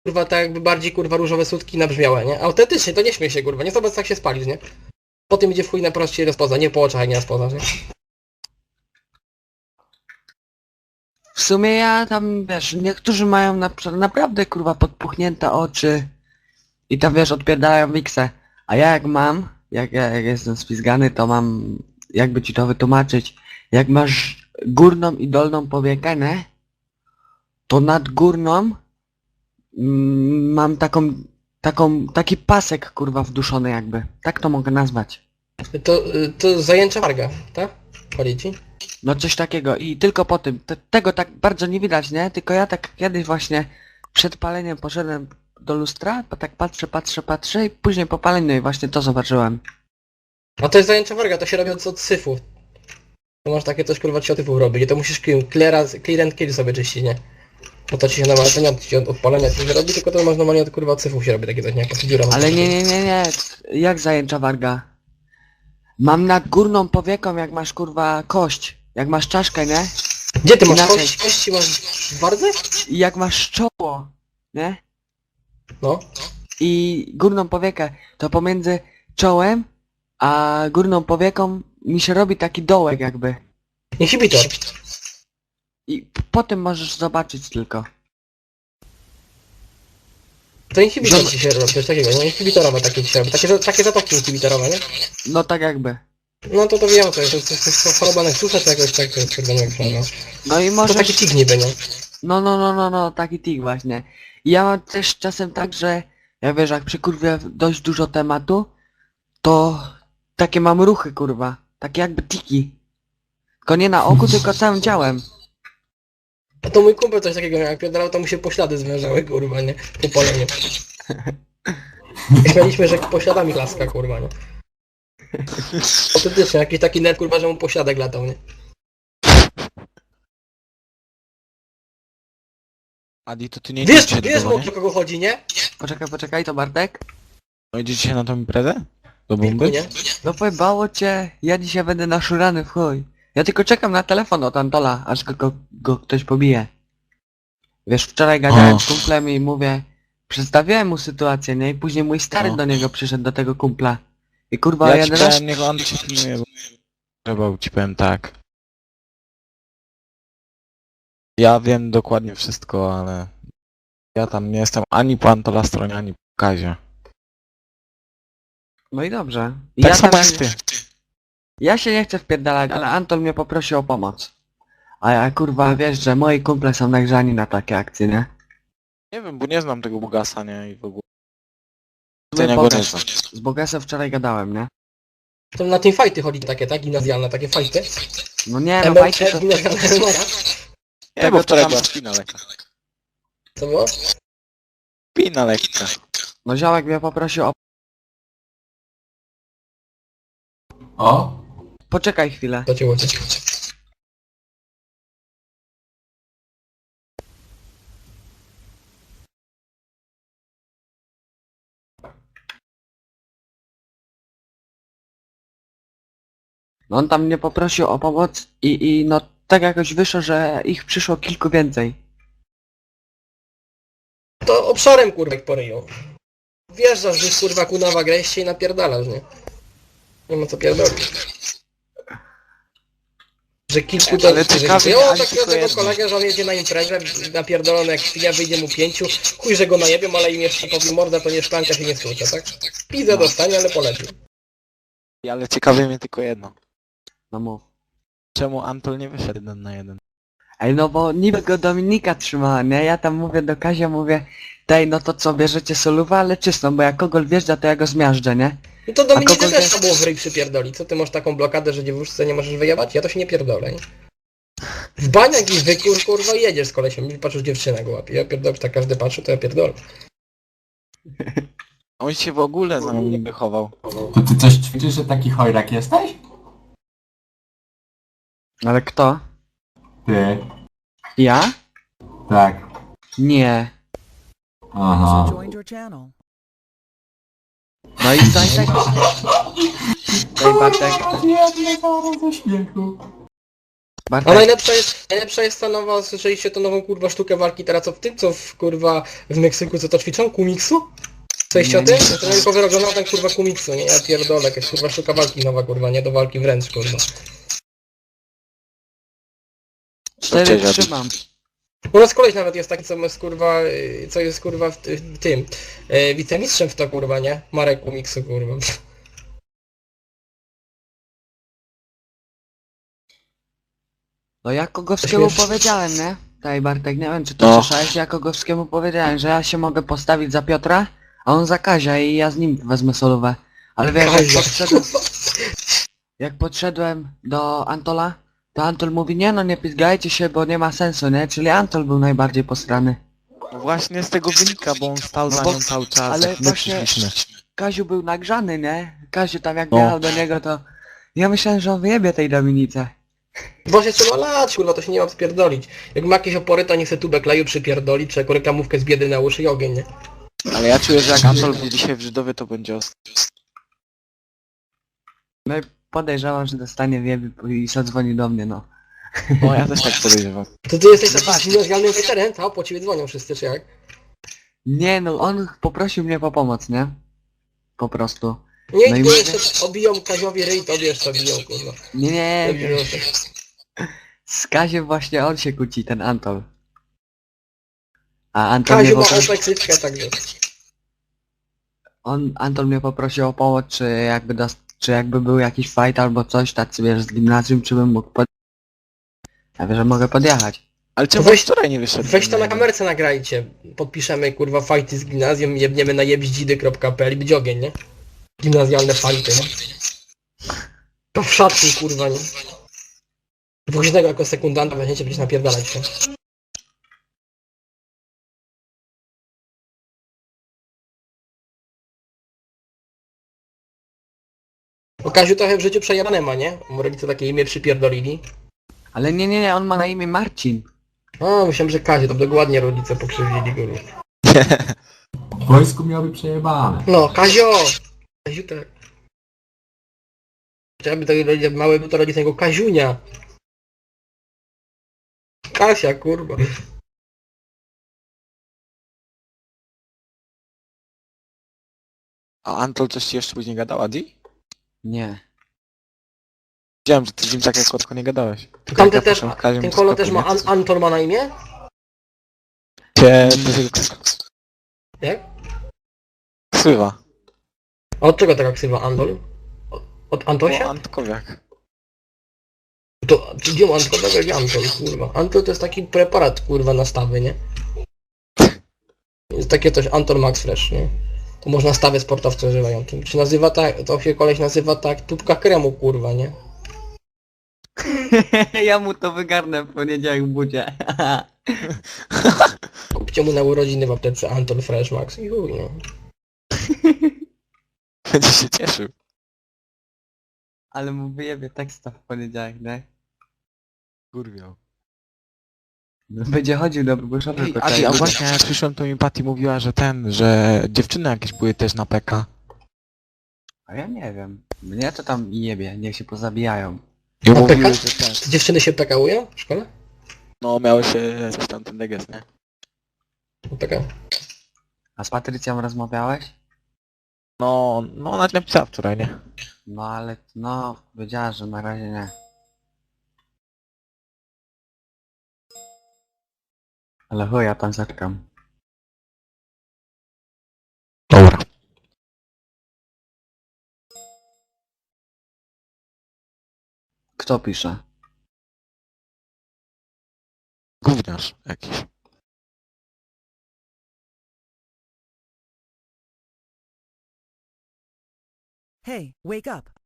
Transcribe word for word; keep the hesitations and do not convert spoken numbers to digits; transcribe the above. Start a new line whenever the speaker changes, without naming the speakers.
kurwa, tak jakby bardziej, kurwa, różowe sutki nabrzmiałe, nie? Autentycznie, to nie śmiej się, kurwa, nie zobacz, jak się spalisz, nie? Potem idzie w chuj na proście i rozpozna, nie po oczach, jak nie rozpoznasz, nie?
W sumie ja tam, wiesz, niektórzy mają na, naprawdę, kurwa, podpuchnięte oczy i tam, wiesz, odpierdalają miksę. A ja jak mam, jak ja jak jestem spizgany, to mam, jakby ci to wytłumaczyć, jak masz górną i dolną powiekę, nie? To nad górną mm, mam taką, taką, taki pasek, kurwa, wduszony jakby. Tak to mogę nazwać.
To, to zajęcza warga, tak? Chodzi ci?
No coś takiego i tylko po tym, te, tego tak bardzo nie widać, nie? Tylko ja tak kiedyś właśnie przed paleniem poszedłem do lustra, bo tak patrzę, patrzę, patrzę i później po paleniu i właśnie to zobaczyłem.
A to jest zajęcza warga, to się robi od, od syfu. To masz takie coś, kurwa, ci od syfu robi, to musisz clear, clear and kill sobie czyścić, nie? No to ci się normalnie, to nie od, od odpalenia ci się robi, tylko to masz normalnie od, kurwa, od syfu się robi takie coś, nie? Jak dziura.
Ale nie, nie, nie, nie, jak zajęcza warga? Mam nad górną powieką, jak masz, kurwa, kość, jak masz czaszkę, nie?
Gdzie ty masz
Inaczej.
kość? Kości masz w wardze?
I jak masz czoło, nie?
No.
I górną powiekę, to pomiędzy czołem a górną powieką mi się robi taki dołek jakby.
Inhibitor.
I p- potem możesz zobaczyć tylko.
To inhibitor
Zobacz.
ci się robi, coś takiego, nie? Inhibitorowe takie ci się robi, takie, za- takie zatoki inhibitorowe, nie?
No tak jakby.
No to to wiem, to jest, to jest, to jest choroba nektusa, czy jakoś tak, to jest, kurde, nie wiem, no.
No i
To
możesz...
taki tik niby, nie?
No, no, no, no, no, taki tik właśnie. I ja mam też czasem tak, że ja wiesz, jak przykurwię dość dużo tematu, to takie mam ruchy, kurwa. Takie jakby tiki. Tylko nie na oku, tylko całym ciałem.
A to mój kumpel coś takiego miał, jak pierdalał, to mu się poślady zwężały, kurwa, nie? Po paleniu. Śmialiśmy, że pośladami laska, kurwa, nie? Autentycznie, jakiś taki net, kurwa, że mu pośladek latał, nie?
Adi, to ty nie
Wiesz,
idziecie
wiesz,
do
o
domu,
kogo chodzi, nie?
Poczekaj, poczekaj, to Bartek?
no idziecie na tą imprezę? Do
Wilku,
bomby?
nie?
No pojebało cię, ja dzisiaj będę naszurany w chuj. Ja tylko czekam na telefon od Antola, aż go, go, go ktoś pobije. Wiesz, wczoraj gadałem
O.
z kumplem i mówię, przedstawiałem mu sytuację, nie? I później mój stary
O.
do niego przyszedł, do tego kumpla. I kurwa,
Ja ci
jeden raz...
powiem, niech on cię pilnuje, bo... Trzeba ci powiem tak. Ja wiem dokładnie wszystko, ale... Ja tam nie jestem ani po Antola stronie, ani po Kazie.
No i dobrze. I
Tak
ja
samo
tam-
jak ty.
Ja się nie chcę wpierdalać, ale Antol mnie poprosił o pomoc. A ja kurwa, wiesz, że moi kumple są nagrzani na takie akcje, nie?
Nie wiem, bo nie znam tego Bugasa, nie? I w ogóle...
My
Ja go nie
pokaż.
znam.
Z Bogesem wczoraj gadałem, nie?
To na teamfighty chodzi takie, tak? Gimnazjalne, takie fighty.
No nie, no
M M
fajcie
C,
to...
gimnazjalne M M A.
Nie,
Tego
bo wczoraj
to tam-
była spina lekka.
Co było?
Spina lekka.
No ziołek mnie poprosił o...
O?
Poczekaj chwilę.
To cię łocie.
No on tam mnie poprosił o pomoc i, i no tak jakoś wyszło, że ich przyszło kilku więcej.
To obszarem, kurwa, jak poryją. Wjeżdżasz gdzieś, kurwa, kunawa greście i napierdalasz, nie? Nie ma co pierdolić. Że kilku to...
Ale ciekawie,
O,
ale
takiego
tylko
tego
jedno.
kolegę, że on jedzie na imprezę, napierdolony jak świnia, wyjdzie mu pięciu, chuj, że go najebią, ale im jeszcze powie morda, to nie szklanka się nie stłucze, tak? Pizę dostanie, ale poleci.
Ale ciekawi mnie tylko jedno.
No mów.
Czemu Antol nie wyszedł jeden na jeden?
Ej, no bo niby go Dominika trzymała, nie? Ja tam mówię do Kazia, mówię, daj, no to co, bierzecie solówę, ale czystą, bo jak kogol wjeżdża, to ja go zmiażdżę, nie?
No to Dominice
kogo
też
wie-
trzeba było w ryj przypierdolić. Co ty masz taką blokadę, że dziewuszce nie możesz wyjebać? Ja to się nie pierdolę, nie? W baniak i wykur, kurwa, i jedziesz z kolesiem i patrzysz, dziewczynę go łapie. Ja pierdolę, tak każdy patrzy, to ja pierdolę.
On się w ogóle za mną nie wychował.
To ty coś ćwiczysz, że taki chojrak jesteś?
Ale kto?
Ty.
Ja?
Tak.
Nie.
Aha.
Joined your channel.
No i co i tak? Daj Bartek.
Jedne zaraz ze śmiechu.
A
Bartek,
najlepsza jest, najlepsza jest ta nowa, słyszeliście tą nową kurwa sztukę walki teraz co w tym, co w kurwa w Meksyku, co to ćwiczą? Kumiksu? Słyszeliście o
Nie,
tym?
nie
To tylko wyrobiona ten kurwa kumiksu, nie? Ja pierdolę, jakaś kurwa sztuka walki nowa kurwa, nie do walki wręcz kurwa.
cztery
Cześć, Adi.
trzymam.
U nas koleś nawet jest taki, co jest kurwa, y, co jest kurwa w, ty- w tym, e, wicemistrzem w to kurwa, nie? Marek Kumiksu kurwa.
No ja Kogowskiemu
Śmieszne.
powiedziałem, nie? Daj Bartek, nie wiem czy to
No.
słyszałeś, ja Kogowskiemu powiedziałem, że ja się mogę postawić za Piotra, a on za Kazia i ja z nim wezmę solówę. Ale wiesz, jak
Kazia.
podszedłem, jak podszedłem do Antola, to Antol mówi, nie no nie pizgajcie się, bo nie ma sensu, nie? Czyli Antol był najbardziej posrany.
No właśnie z tego wynika, bo on stał
No
za
bo-
nią cały czas,
ale
jak my
właśnie-
przyszliśmy.
Kaziu był nagrzany, nie? Kaziu tam jak
No.
jechał do niego, to ja myślałem, że on wyjebie tej Dominice.
Właśnie trzeba lać, kurwa, to się nie ma spierdolić. Jak ma jakieś opory, to niech se tubę kleju przypierdoli, czy jakąś reklamówkę z biedy na uszy i ogień, nie?
Ale ja czuję, że jak Antol był dzisiaj w Żydowie, to będzie ostro.
No i podejrzewam, że dostanie wiebie i zadzwoni do mnie, no.
No ja też tak podejrzewam.
To ty jesteś takim niezwiązalnym weterem, a po ciebie dzwonią wszyscy, czy jak?
Nie no, on poprosił mnie po pomoc, nie? Po prostu.
Nie,
No i
nie,
mówię-
jeszcze obiją Kaziowi ryj, tobie jeszcze obiją, kurwa.
Nie, nie,
Obiją
nie.
się.
Z Kaziem właśnie on się kłóci, ten Antol. A Antol mnie
Kaziu ma
poprosił,
opeksyczkę, także.
on, Antol mnie poprosił o pomoc, czy jakby dos, czy jakby był jakiś fight albo coś, tacy wiesz, z gimnazjum, czy bym mógł pod... Ja wiem, że mogę podjechać.
Ale czemu
Weź-
wczoraj nie wyszedł?
Weź to na kamerce nagrajcie. Podpiszemy, kurwa, fajty z gimnazjum, jebniemy na jebździdy kropka p l i będzie ogień, nie? Gimnazjalne fajty, nie? To w szatni, kurwa, nie? Woźnego jako sekundanta weźmiecie, będziecie napierdalać się. Bo Kaziu trochę w życiu przejebane ma, nie? Mu rodzice takie imię przypierdolili.
Ale nie, nie, nie, on ma na imię Marcin.
A, myślałem, że Kaziu, to dokładnie rodzice pokrzywdzili go.
W wojsku miałby przejebane.
No, Kazio! Kaziu tak. Chciałby to rodzice, mały był to rodzic jego Kaziunia. Kasia, kurwa.
A Antol coś ci jeszcze później gadał, Adi?
Nie.
Widziałem, że ty z nim tak jak krótko nie gadałeś. Tylko
Tamten
jak ja
też,
poszłem w Kaziem
ten
do
kolo
sklepu,
też ma,
nie?
An Anton ma na imię?
Cię...
Jak?
Ksywa.
A od czego taka ksywa Andol? Od, od
O,
Antosia?
Antkowiak.
To, czy gdzie ma Antolego jak Antol, kurwa? Antol to jest taki preparat, kurwa, na stawy, nie? Jest takie coś Antol Max Fresh, nie? To można stawy sportowcy używają. To się nazywa tak, to się koleś nazywa tak, tubka kremu, kurwa, nie?
Ja mu to wygarnę w poniedziałek w budzie.
Kupcie mu na urodziny w aptece Antol Fresh Max i chuj, no.
Będzie się cieszył.
Ale mu wyjebie teksta w poniedziałek, nie?
Kurwiał.
Będzie chodził do Boguszowy.
Ej, Adi, a właśnie jak przyszłem, to mi Patty mówiła, że ten, że dziewczyny jakieś były też na P K.
A ja nie wiem. Mnie to tam jebie, niech się pozabijają.
I
Na
mówiły,
P K?
że ten...
Czy dziewczyny się pekałują w szkole?
No miały się coś tam ten deges, nie?
No taka.
A z Patrycją rozmawiałeś?
No, no ona ci napisała wczoraj, nie?
No ale, no, powiedziała, że na razie nie. Ale chuj, ja tam zaczekam.
Dobra.
Kto pisze?
Gówniarz jakiś.
Hey, wake up.